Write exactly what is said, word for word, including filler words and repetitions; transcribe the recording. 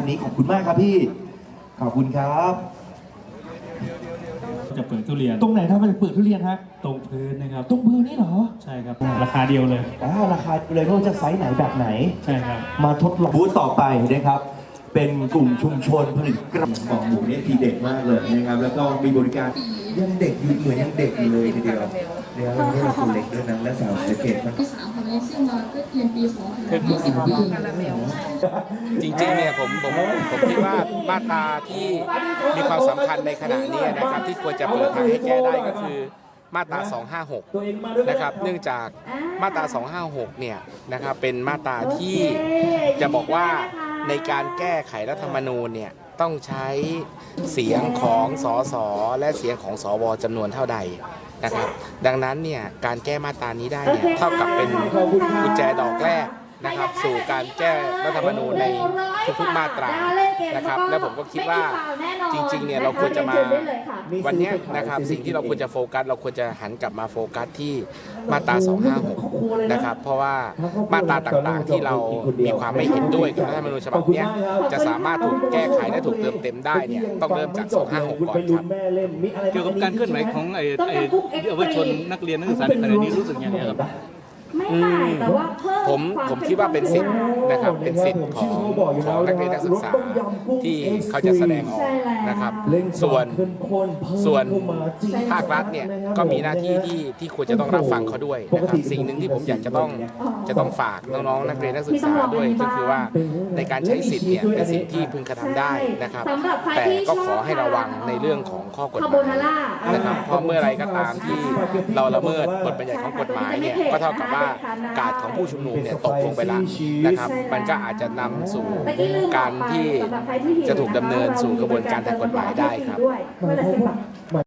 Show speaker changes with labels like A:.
A: นี้ขอบคุณมากครับพี่ขอบคุณครับ
B: จะเปิดทุเรียน
A: ตรงไหนถ้ามันเปิดทุเรียนฮะ
B: ตรงพื้นนะครับ
A: ตรงพื้นนี่เหรอ
B: ใช่ครับราคาเดียวเลย
A: อ่าราคาเลยว่าจะไซส์ไหนแบบไหน
B: ใช่ครับ
A: มาทดลองบูธต่อไปนะครับเป็นกลุ่มชุมชนผลิตกระบอกหมูเนี่ยทีเด็ดมากเลยนะครับแล้วก็มีบริการยังเด็กอยู่เหมือนยังเด็กอยู่เลยทีเดียวเนี่ยเราเนี่ยคนเล็กด้วยนะและสาวเด็กมัน
C: ปีสามคนนี้ซึ่งมาก็เรียนปีสองถึงยี่สิบปี
D: จริงๆเนี่ยผมผมผมคิดว่ามาตราที่มีความสำคัญในขณะนี้นะครับที่ควรจะเปิดทางให้แก้ได้ก็คือมาตราสองห้าหกนะครับเนื่องจากมาตราสองห้าหกเนี่ยนะครับเป็นมาตราที่จะบอกว่าในการแก้ไขรัฐธรรมนูญเนี่ยต้องใช้เสียงของสสและเสียงของสวจำนวนเท่าใดนะครับดังนั้นเนี่ยการแก้มาตรานี้ได้เนี่ยเท่ากับเป็นกุญแจดอกแรกนะครับสู่การแก้รัฐธรรมนูญในทุกๆมาตรานะครับและผมก็คิดว่าจริงๆเนี่ยเราควรจะมาวันนี้นะครับสิ่งที่เราควรจะโฟกัสเราควรจะหันกลับมาโฟกัสที่มาตราสองห้าหกนะครับเพราะว่ามาตราต่างๆที่เรามีความไม่เห็นด้วยกับรัฐธรรมนูญฉบับนี้จะสามารถถูกแก้ไขและถูกเติมเต็มได้เนี่ยต้องเริ่มจากสองห้าหกก่อนครับ
B: เกี่ยวกับการเคลื่อนไหวของไอ้ไอ้เยาวชนนักเรียนนักศึกษาในขณะนี้รู้สึกยังไงครับ
D: ผมผมคิดว่าเป็นสิทธิ์นะครับเป็นสิทธิ์ของของนักเรียนนักศึกษาที่เขาจะแสดงออกนะครับส่วนส่วนภาครัฐเนี่ยก็มีหน้าที่ที่ที่ควรจะต้องรับฟังเขาด้วยนะครับสิ่งหนึ่งที่ผมอยากจะต้องจะต้องฝากน้องๆนักเรียนนักศึกษาด้วยก็คือว่าในการใช้สิทธิ์เนี่ยเป็นสิ่งที่พึงกระทำได้นะครับแต่ก็ขอให้ระวังในเรื่องของข้อกฎหมายนะครับเพราะเมื่อไรก็ตามที่เราละเมิดบทบัญญัติของกฎหมายเนี่ยก็เท่ากับว่าการของผู้ชุมนุมเนี่ยตกลงไปแล้วนะครับมันก็อาจจะนำสู่การที่จะถูกดำเนินสู่กระบวนการทางกฎหมายได้ครับ